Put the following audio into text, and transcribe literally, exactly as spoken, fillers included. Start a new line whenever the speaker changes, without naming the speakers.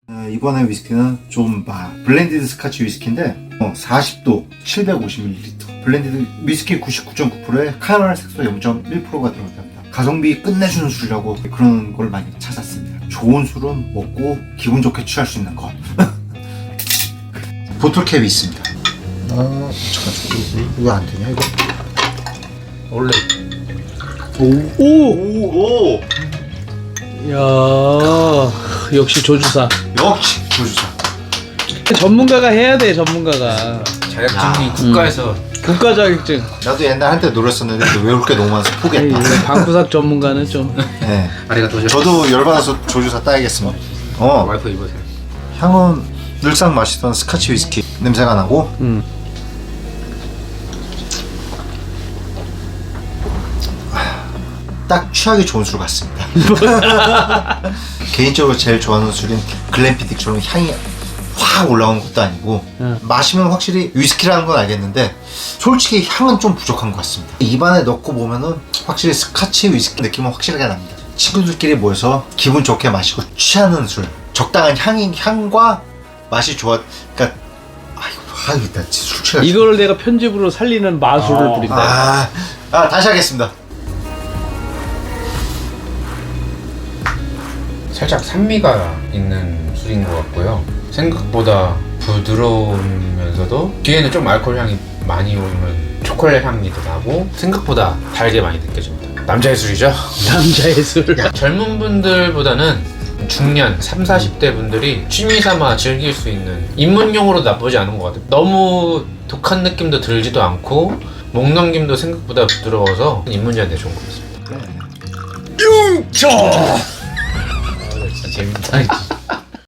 어, 이번에 위스키는 좀 아, 블렌디드 스카치 위스키인데 어, 사십 도 칠백오십 밀리리터 블렌디드 위스키 구십구 점 구 퍼센트에 카라멜 색소 영 점 일 퍼센트가 들어갑니다. 가성비 끝내주는 술이라고 그런 걸 많이 찾았습니다. 좋은 술은 먹고 기분 좋게 취할 수 있는 것. 보틀캡이 있습니다. 아, 잠깐, 이거 안 되냐 이거?
원래
오!
오, 오,
야 역시 조주사.
역시 조주사.
전문가가 해야 돼, 전문가가.
자격증이
야.
국가에서
국가 자격증.
나도 옛날 한때 노렸었는데 외울 게 너무 많아서
에이,
포기했다.
방구석 전문가는 좀.
네.
아리가 더
저도 열받아서 조주사 따야겠습니다. 어,
와이프 입으세요.
향은 늘상 마시던 스카치 위스키 냄새가 나고
음.
딱 취하기 좋은 술 같습니다. 개인적으로 제일 좋아하는 술인 글렌피딕처럼 향이 확 올라오는 것도 아니고
응.
마시면 확실히 위스키라는 건 알겠는데 솔직히 향은 좀 부족한 것 같습니다. 입안에 넣고 보면은 확실히 스카치 위스키 느낌은 확실하게 납니다. 친구들끼리 모여서 기분 좋게 마시고 취하는 술, 적당한 향이 향과 맛이 좋아. 그러니까 아이고, 아이고 나 진짜 술 취해.
이거를 내가 편집으로 살리는 마술을
어.
부린다.
아, 아 다시 하겠습니다.
살짝 산미가 있는 술인 것 같고요. 생각보다 부드러우면서도 뒤에는 좀 알코올 향이 많이 오면 초콜릿 향기도 나고 생각보다 달게 많이 느껴집니다. 남자의 술이죠?
남자의 술.
젊은 분들보다는 중년, 삼, 사십 대 분들이 취미 삼아 즐길 수 있는 입문용으로 나쁘지 않은 것 같아요. 너무 독한 느낌도 들지도 않고 목 넘김도 생각보다 부드러워서 입문자한테 좋은 것 같습니다.
융쳐.
진짜 재밌다.